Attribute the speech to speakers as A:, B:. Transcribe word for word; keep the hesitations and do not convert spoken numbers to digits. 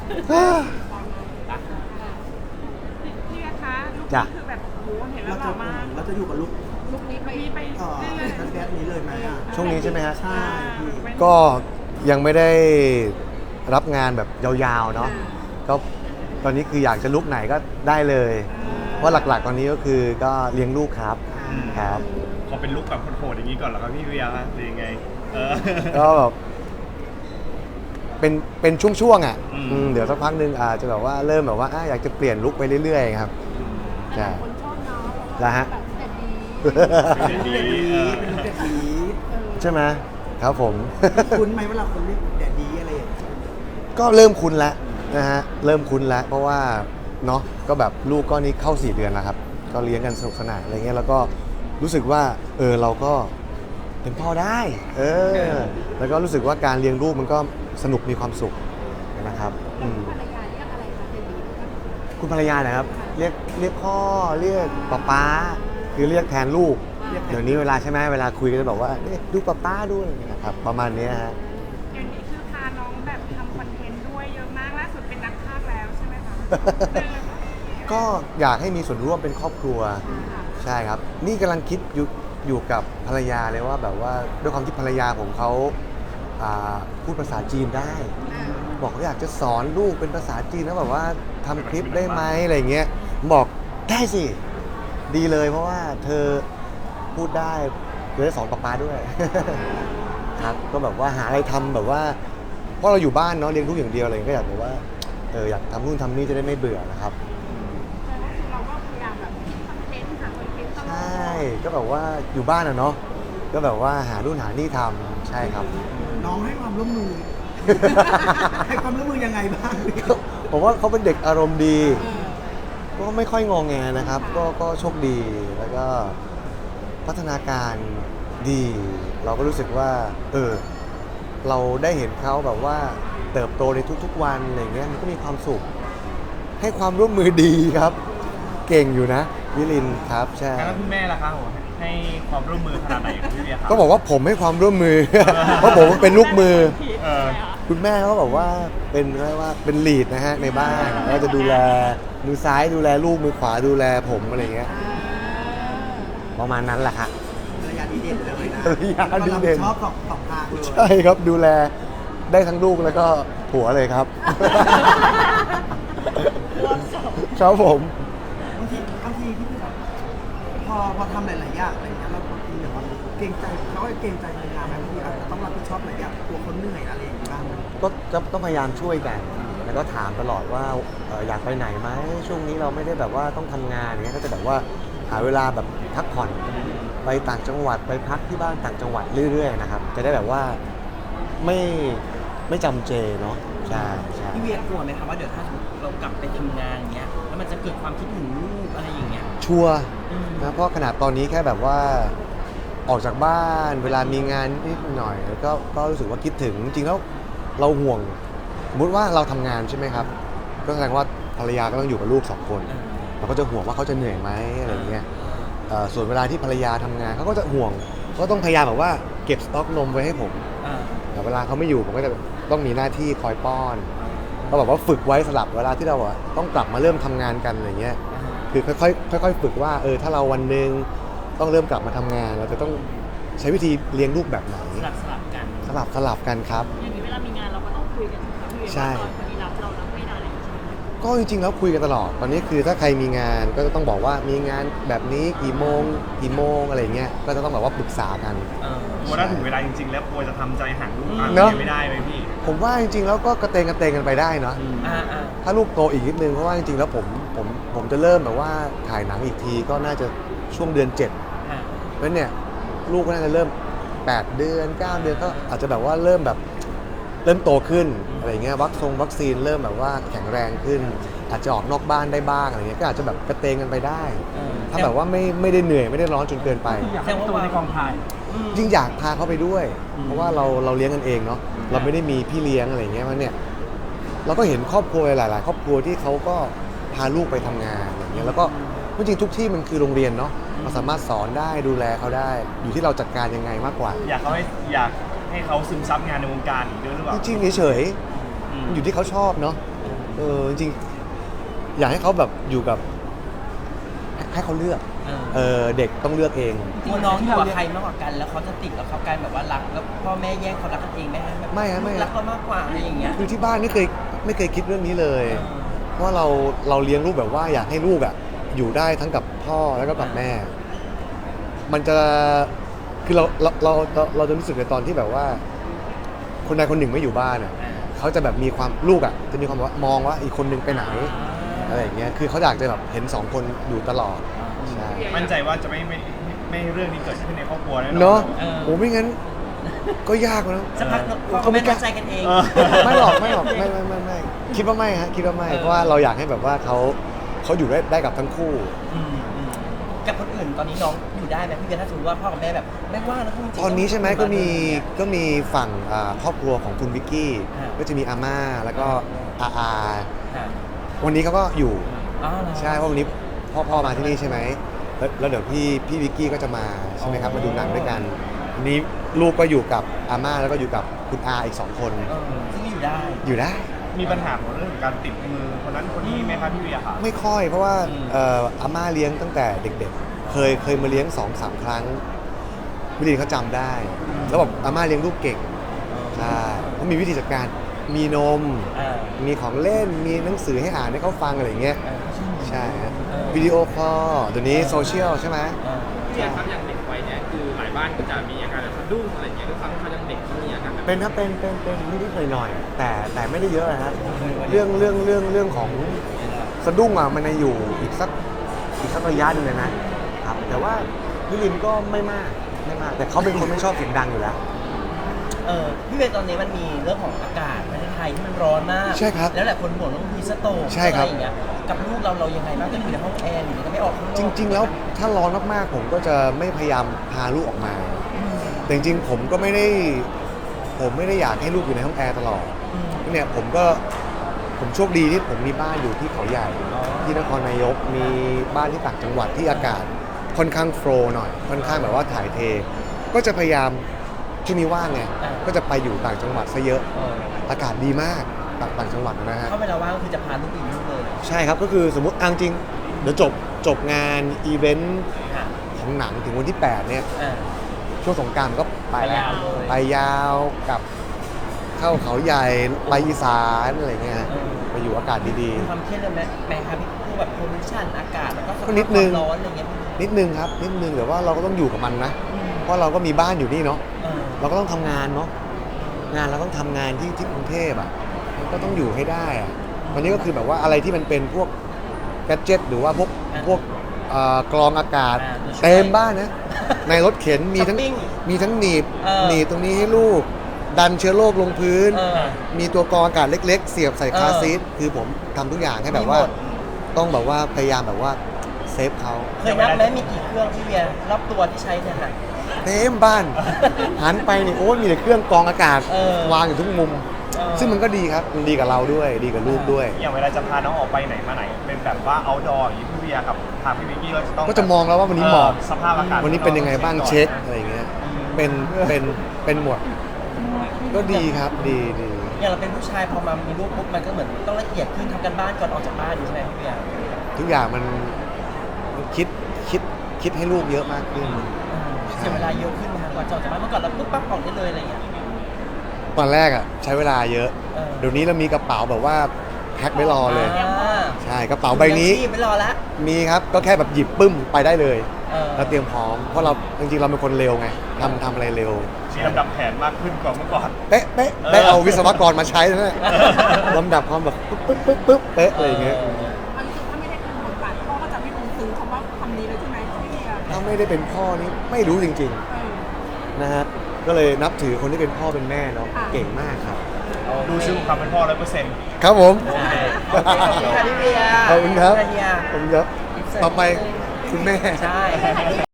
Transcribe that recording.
A: พี่คะลูกนี้คือแบบโอ้โหเห็นแล้วหล่อมาก
B: เราจะอยู่กับลูก
A: ลูกนี้ไปไป
B: เอ่อ
A: เรื่อย
B: แบดนี้เลยไหมอ่ะ
C: ช่วงนี้ใช่ไหมฮะ
B: ใช่พี่
C: ก็ยังไม่ได้รับงานแบบยาวๆเนาะก็ตอนนี้คืออยากจะลุกไหนก็ได้เลยเพราะหลักๆตอนนี้ก็คือก็เลี้ยงลูกครับครับ
D: ขอเป็นลุคแบบโหดๆอย่างนี้ก่อนเหรอครับพี่เวียครับหรือยังไงเออ
C: ก็แบบเป็นเป็นช่วงๆอ่ะ
D: อืม
C: อืมเดี๋ยวสักพักหนึงอาจจะแบบว่าเริ่มแบบว่าอ่ะอยากจะเปลี่ยนลุคไปเรื่อยๆครับใช่
A: คนชอบเนาะ
C: แล้วฮะ
A: แบบเด็ดดี
D: เด็ดดี
B: เป็น
D: เออ
B: ลูกเด็ดดี
C: ใช่ไหมครับผม
B: คุ้นไหมเวลาคนเรียกแดดดีอะไรอย่างเงี้ย
C: ก็เริ่มคุ้นแล้วนะฮะเริ่มคุ้นแล้วเพราะว่าเนาะก็แบบลูกก็นี้เข้าสี่เดือนแล้วครับก็เลี้ยงกันสนุกสนานอะไรเงี้ยแล้วก็รู้สึกว่าเออเราก็เป็นพ่อได้เออแล้วก็รู้สึกว่าการเลี้ยงลูกมันก็สนุกมีความสุขนะครับอืม
A: ภรรยาเรียกอะไรคะเด็ดดี
C: คุณภรรยานะครับเรียกเรียกพ่อเรียกป๊าป๊าคือเรียกแทนลูกเดี๋ยวนี้เวลาใช่ไหมเวลาคุยก็จะบอกว่าเอ๊ะดูป๊าป๊าด้วยนะครับประมาณเนี้ยฮะ
A: เดี๋ยวนี้คือพาน้องแบบทำคอนเทนต์ด้วยเยอะมากล่าสุดเป็นนักพากย์แล้วใช่ไหมคะ
C: ก็อยากให้มีส่วนร่วมเป็นครอบครัวใช่ครับ นี่กำลังคิดอยู่อยู่กับภรรยาเลยว่าแบบว่าด้วยความที่ภรรยาผมเขาอ่าพูดภาษาจีนได้ บอกว่าอยากจะสอนลูกเป็นภาษาจีนแล้วแบบว่าทำคลิปได้ไหมอะไรเงี้ยผมบอกได้สิดีเลยเพราะว่าเธอพูดได้เธอได้สอนป๊าป๊าด้วย ครับก็แบบว่าหาอะไรทำแบบว่าเพราะเราอยู่บ้านเนาะเลี้ยงลูกอย่างเดียวอะไรก็อยากแบบว่าเอออยากทำนู่นทำนี่จะได้ไม่เบื่อนะครับ
A: แต่ว่าคือเราก็พยายามแบบคิดคอนเทนต์หาคอนเทนต์ตล
C: ใช
A: อด
C: ่ก็แบบว่าอยู่บ้านอะเนาะก็แบบว่าหานู่นหานี่ทำใช่ครับ
B: น้องให้ความร่วมมือ ให้ความร่วมมือยังไงบ้างพี่
C: ผมว่าเขาเป็นเด็กอารมณ์ดีก็ไม่ค่อยงอแงนะครับ ก็ก็โชคดีแล้วก็พัฒนาการดี เราก็รู้สึกว่า เออ เราได้เห็นเขาแบบว่าเติบโตในทุกๆวันอะไรเงี้ยมันก็มีความสุข ให้ความร่วมมือดีครับ เก่งอยู่นะวิลินครับใช่
D: แล้วคุณแม่ล่ะครับผมให้ความร่วมมือขนาดไหนกับพี่เวียครับ
C: ก็บอกว่าผมให้ความร่วมมือ เพราะผมเป็นลูกมือ
D: เออ
C: คุณแม่เขาบอกว่าเป็นเรียกว่าเป็นลีดนะฮะในบ้านก็จะดูแลมือซ้ายดูแลลูกมือขวาดูแลผมอะไรเงี้ยประมาณนั้นแหละฮะ
B: ภรรยาดีเด่นเลยนะ
C: ภรรยาดีเด่น
B: ชอบสองสองทางเลย
C: ใช่ครับดูแลได้ทั้งลูกแล้วก็ผัวเลยครับ ครับผม
B: บางทีบางทีพี่แบบพอพอทำหลายๆอย่างอะไรเงี้ยเราบางทีแบบว่าเกรงใจเขาเกรงใจภรรยาไหมบางทีอาจจะต้องรับผิดชอบหลายอย่างตัวคนเหนื่อยอะไรอย่างเงี้ยบ้างไหม
C: ก็จะต้องพยายามช่วยกันแล้วก็ถามตลอดว่าเอ่ออยากไปไหนไหมช่วงนี้เราไม่ได้แบบว่าต้องทำงานอย่างเงี้ยก็จะแบบว่าหาเวลาแบบพักผ่อนไปต่างจังหวัดไปพักที่บ้านต่างจังหวัดเรื่อยๆนะครับจะได้แบบว่าไม่ไม่จำเจเนาะใช่ใช่
E: พี่เวียกลัวไหมครับว่าเดี๋ยวถ้าเรากลับไปทำงานอย่างเงี้ยแล้วมันจะเกิดความคิดถึงลูกอะไรอย่างเงี้ย
C: ชัวร์
E: อืม
C: นะเพราะขนาดตอนนี้แค่แบบว่าออกจากบ้านเวลามีงานนิดหน่อยแล้วก็ก็รู้สึกว่าคิดถึงจริงๆแล้วเราห่วงสมมติว่าเราทำงานใช่ไหมครับ ก็แสดงว่าภรรยาก็ต้องอยู่กับลูกสองคน
E: อ่า
C: เราก็จะห่วงว่าเขาจะเหนื่อยไหมอะไรเงี้ยเอ่อส่วนเวลาที่ภรรยาทำงานเขาก็จะห่วงก็ต้องพยายามแบบว่าเก็บสต็อกนมไว้ให้ผม
E: อ่า
C: แต่เวลาเขาไม่อยู่ผมก็จะต้องมีหน้าที่คอยป้อนก็แบบว่าฝึกไว้สลับเวลาที่เราอะต้องกลับมาเริ่มทำงานกันอะไรเงี้ย คือค่อยๆค่อยๆฝึกว่าเออถ้าเราวันหนึ่งต้องเริ่มกลับมาทำงาน เราจะต้องใช้วิธีเลี้ยงลูกแบบไหน
E: สลับสลับกัน
C: สลับสลับกันครับ
F: อย่างนี้เวลามีงานเราก็ต้องคุยกันใช่ไหมพี่เวีย
C: ใช่
F: ว่าตอนคนนี้รับเรารับไม่ได้อะไรอย่างเงี้ย
C: ก็จริงๆแล้วคุยกันตลอด ตอนนี้คือถ้าใครมีงานก็จะต้องบอกว่ามีงานแบบนี้กี่โมงกี่โมงอะไรเงี้ยก็จะต้องแบบว่าปรึกษากัน
E: เออ
D: กลัวถ้าถึงเวลาจริงๆ แล้วกลัวจะทำใจห่างลูกอ่ะ
C: เนอะ
D: ไม่ได้ไหมพี่
C: ผมว่าจริงๆแล้วก็กระเตงกระเตงกันไปได้เนาะ
E: อ่าอ่า
C: ถ้าลูกโตอีกนิดนึงเพราะว่าจริงๆแล้วผมผมผมจะเริ่มแบบว่าถ่ายหนังอีกทีก็น่าจะช่วงเดือนเจ็ด
E: อ่า
C: เพราะฉะนั้นเนี่ยลูกก็น่าจะเริ่มแปดเดือนเก้าเดือนก็อาจจะแบบว่าเริ่มแบบเริ่มโตขึ้นอะไรเงี้ยวัคซงวัคซีนเริ่มแบบว่าแข็งแรงขึ้น อาจจะออกนอกบ้านได้บ้างอะไรเงี้ยก็อาจจะแบบกระเตงกันไปได้
E: เออ
C: ถ้าแบบว่าไม่ไม่ได้เหนื่อยไม่ได้ร้อนจนเกินไป
E: อยากให้ตัวในกองถ่าย
C: ยิ่งอยากพาเขาไปด้วย เพราะว่าเราเราเลี้ยงกันเองเนาะเราไม่ได้มีพี่เลี้ยงอะไรเงี้ยมันเนี่ยเราก็เห็นครอบครัวหลาย ๆ ครอบครัวที่เขาก็พาลูกไปทำงานอย่างเงี้ยแล้วก็จริงๆทุกที่มันคือโรงเรียนเนาะเราสามารถสอนได้ดูแลเขาได้ อยู่ที่เราจัดการยังไงมากกว่า
D: อยากเขาให้อยากให้เขาซึมซับงานในวงการอีกด้วยหรือเปล่า
C: จริงๆเฉย
D: อืม
C: ๆอยู่ที่เขาชอบเนาะ
E: แ
C: เออจริงๆอยากให้เขาแบบอยู่กับให้ให้เขาเลือก
E: เออ
C: เออเด็กต้องเลือกเอง
E: กลัวน้องอยู่กับใครมากกว่ากันแล้วเขาจะติดแล้วเขากลายแบบว่ารักแล้วพ่อแม่แย่งความรักกันเองไหมฮะแบบ
C: ไม่ฮะไม่ฮะ
E: รักเรามากกว่าอะไรอย่างเงี้ย
C: คือที่บ้านไม่เคยไม่เคยคิดเรื่องนี้เลย
E: เออ
C: เพราะว่าเราเราเลี้ยงลูกแบบว่าอยากให้ลูกอ่ะอยู่ได้ทั้งกับพ่อแล้วก็กับแม่ มันจะคือเราเราเราเราเราจะรู้สึกในตอนที่แบบว่า คนใดคนหนึ่งไม่อยู่บ้านอ่ะเขาจะแบบมีความลูกอ่ะจะมีความแบบว่ามองว่าอีกคนหนึงไปไหนอะไรอย่างเงี้ยคือเขาอยากจะแบบเห็นสองคนอยู่ตลอดใช่
D: มั่นใจว่าจะไม่ไม่ไม่ให้เรื่องนี้เกิดขึ้นในครอบครัวแน่นอน
C: เนาะ
E: เออ
C: โอ้ไม่งั้นก็ยากแล้ว
E: สักพักพ่อแม่เข้าใจกันเอง
D: เออ
C: ไม่หรอกไม่หรอกไม่ไม่ไม่ไม่คิดว่าไม่ฮะคิดว่าไม่
E: เออ
C: เพราะว่าเราอยากให้แบบว่าเขาเขาอยู่ได้ได้กับทั้งคู่
E: อืมอืมกับคนอื่นตอนนี้น้องอยู่ได้ไหมพี่เบียร์ถ้าสมมติว่าพ่อกับแม่แบบไม่ว่างแล้วจริงๆ
C: ตอนนี้ใช่ไหมก็มี
E: เนี่ย
C: ก็มีฝั่งอ่าครอบครัวของคุณวิกกี้
E: อ่า
C: ก็จะมีอาม่าแล้วก็อาอา
E: ค่ะ
C: วันนี้เขาก็อยู่
E: อ๋อเหรอ
C: ใช่เพราะวันนี้พ่อพ่อมาที่นี่ใช่ไหมแล้วแล้วเดี๋ยวพี่พี่วิกกี้ก็จะมาใช่ไหมครับ
E: อ๋อ
C: มาดูหนังด้วยกันวันนี้ลูกก็อยู่กับอาม่าแล้วก็อยู่กับคุณอาอีกสองคน
E: เออซึ่งก็อยู่ได้
C: อยู่ได้
D: มีปัญหาของเรื่องของการติดมือคนนั้นคนนี้ไหมครับพี่เวียค่ะ
C: ไม่ค่อยเพราะว่า
E: อืม
C: เอ่ออาม่าเลี้ยงตั้งแต่เด็กๆ เคยเคยมาเลี้ยงสองสามครั้งวิลีนเขาจำได้ แล้วแบบอาม่าเลี้ยงลูกเก่งใช่เขามีวิธีจัดการมีนม
E: อ่า
C: มีของเล่นมีหนังสือให้อ่านให้เขาฟังอะไรอย่างเงี้ย
E: เออ
C: ใช่ฮะ
E: เออ
C: วิดีโอคอลเดี๋ยวนี้โซเชียลใช่ไหม
E: เออ
G: พี่เบียร์ครับอย่างเด็กวัยเนี่ยคือหลายบ้านก็จะมีอาการแบบสะดุ้งอะไรอย่างเงี้ยด้วยความที่เขายังเด็กเขามีอาการแบบ
C: เป็นครับเป็นเป็นเป็นนิดๆหน่อยๆแต่แต่ไม่ได้เยอะนะฮะเรื่องเรื่องเรื่องเรื่องของสะดุ้งอ่ะมันจะอยู่อีกสักอีกสักระยะหนึงเลยนะครับแต่ว่าวิลินก็ไม่มากไม่มาก แต่เขาเป็นคนไม่ชอบเสียงดังอยู่แล้ว
E: เออพี่เบียร์ตอนนี้มันมีเรื่องของอากาศประเทศไทยที่มันร้อนมาก
C: ใช่ครับ
E: แล้วหลายคนห่วงเรื่องฮีสโตก
C: ใช่ครับ
E: อะไรอย่างเงี้ยกับลูกเราเรายังไงบ้างก็อยู่ในห้องแอร์หรือจะไม่ออกข้างนอก
C: จริง ๆ แล้วถ้าร้อนมากๆผมก็จะไม่พยายามพาลูกออกมา แต่จริงๆผมก็ไม่ได้ผมไม่ได้อยากให้ลูกอยู่ในห้องแอร์ตลอด
E: อืม
C: เนี่ยผมก็ผมโชคดีที่ผมมีบ้านอยู่ที่เขาใหญ่
E: อ๋อ
C: ที่นครนายกมีบ้านที่ต่างจังหวัดที่อากาศค่อนข้างโฟลว์หน่อย ค่อนข้างแบบว่าถ่ายเท ก็จะพยายามช่วงนี้ว่างไงก็จะไปอยู่ต่างจังหวัดซะเยอะ
E: เออ
C: อากาศดีมากต่างต่างจังหวัดนะฮะ
E: เข้าเวลาว่างก็คือจะพาลูกไปอยู่เลย
C: ใช่ครับก็คือสมมติเอาจริงเดี๋ยวจบจบงานอีเวนต์
E: ค่ะ
C: ของหนังถึงวันที่แปดเนี่ย
E: อ่า
C: ช่วงสงกรานต์ก็ไปแล้ว
E: ไปยาวเลย
C: ไปยาวกับเข้าเขาใหญ่ไปอีสานอะไรเงี้ย
E: เออ
C: ไปอยู่อากาศดี
E: มีความเครียดเลยไหมแม่ครับพี่พวกแบบโพลูชันอากาศแล้วก็สภาพ
C: ก็นิดนึง
E: ความร้อนอะไรเงี้ย
C: ๆ นิดนึงครับนิดนึงแต่ว่าเราก็ต้องอยู่กับมันนะ
E: อืม
C: เพราะเราก็มีบ้านอยู่นี่เนาะ
E: เออ
C: เราก็ต้องทำงานเนาะงานเราต้องทำงานที่ที่กรุงเทพอ่ะมันก็ต้องอยู่ให้ได้อะตอนนี้ก็คือแบบว่าอะไรที่มันเป็นพวกแกดเจ็ตหรือว่าพวกพวกเอ่อกรองอากาศ
E: อ่าตัวช่วย
C: เต็มบ้านนะในรถเข็นมีทั้ง
E: ช้อปปิ้ง
C: มีทั้งหนีบ
E: เออ
C: หนีบตรงนี้ให้ลูก ดันเชื้อโรคลงพื้น
E: เออ
C: มีตัวกรองอากาศเล็ก ๆ เสียบใส่คาร์
E: เออ
C: ซีทคือผมทำทุกอย่างให้แบบว่า
E: มีหมด
C: ต้องแบบว่าพยายามแบบว่าเซฟเขา
E: เคยนับไหมมีกี่เครื่องพี่เบียร์รอบตัวที่ใช้เนี่ยค่ะ
C: เต็มบ้าน หันไปนี่โอ้ยมีแต่เครื่องกรองอากาศ
E: เออ
C: วางอยู่ทุกมุม
E: เออ
C: ซึ่งมันก็ดีครับ มันดีกับเราด้วย ดีกับลูกด้วย
D: อย่างเวลาจะพาน้องออกไปไหนมาไหน เป็นแบบว่า outdoor อย่างนี้พี่เวียกับทางพี่วิกกี้เราจะต้อง
C: ก็จะมองแล้วว่าวันนี้เหมาะ
D: เออสภาพอากาศ
C: วันนี้เป็นยังไงบ้าง
D: ก่อน
C: เช็คอะไรอย่างเงี้ย เป็น เป็น เป็นหมด ก็ดีครับ ดีดี
E: อย่างเราเป็นผู้ชายพอมามีลูกปุ๊บมันก็เหมือนต้องละเอียดขึ้นทำกันบ้านก่อนออกจากบ้านอยู่ใช่ไหมพี่เบียร์
C: ทุกอย่างมันมันคิด คิด คิดให้ลูกเยอะมากขึ้น
E: เออเสียเวลาเยอะขึ้นนะคะก่อนจะออกจากบ้านเมื่อก่อนเราปุ๊บปั๊บออกได้เลยอะไรอย่างเงี้ย
C: ตอนแรกอ่ะใช้เวลาเยอะ
E: เออ
C: เดี๋ยวนี้เรามีกระเป๋าแบบว่าแพ็คไว้รอเลย
E: อ่า
C: ใช่ กระเป๋าใบนี้
E: ยังชีพไม่รอละ
C: มีครับ ก็แค่แบบหยิบปึ้มไปได้เลย
E: เออ
C: เราเตรียมพร้อม เพราะเราจริงๆเราเป็นคนเร็วไงทำทำอะไรเร็ว
D: มีลำดับแผนมากขึ้นกว่าเมื่อก่อน
C: เป๊ะเป๊ะได้เอาวิศวกรมาใช้นะเนี่ยลำดับความแบบปึ๊บปึ๊บปึ๊บปึ๊บเป๊ะอะไรอย่างเงี้ย
A: อันนี้ถ้าไม่ได้เป็นบทบาทพ่อก็จะไม่คงซื้อคำว่าคำนี้เลยใช่ไหมพี่เบียร์
C: ถ้าไม่ได้เป็นพ่อนี่ไม่รู้จริง
A: เออ
C: ๆนะฮะก็เลยนับถือคนที่เป็นพ่อเป็นแม่เนาะ
A: ค่ะ
C: เก่งมากครับ
D: ดูชื่อความเป็นพ่อร้อยเปอร์เซ็นต์
C: ครับผม
E: ใช่โอเคขอบคุณค่ะพี่เบียร์
C: ขอบคุณครับ
E: เฮีย
C: ผมครับต่อไปคุณแม่
E: ใช่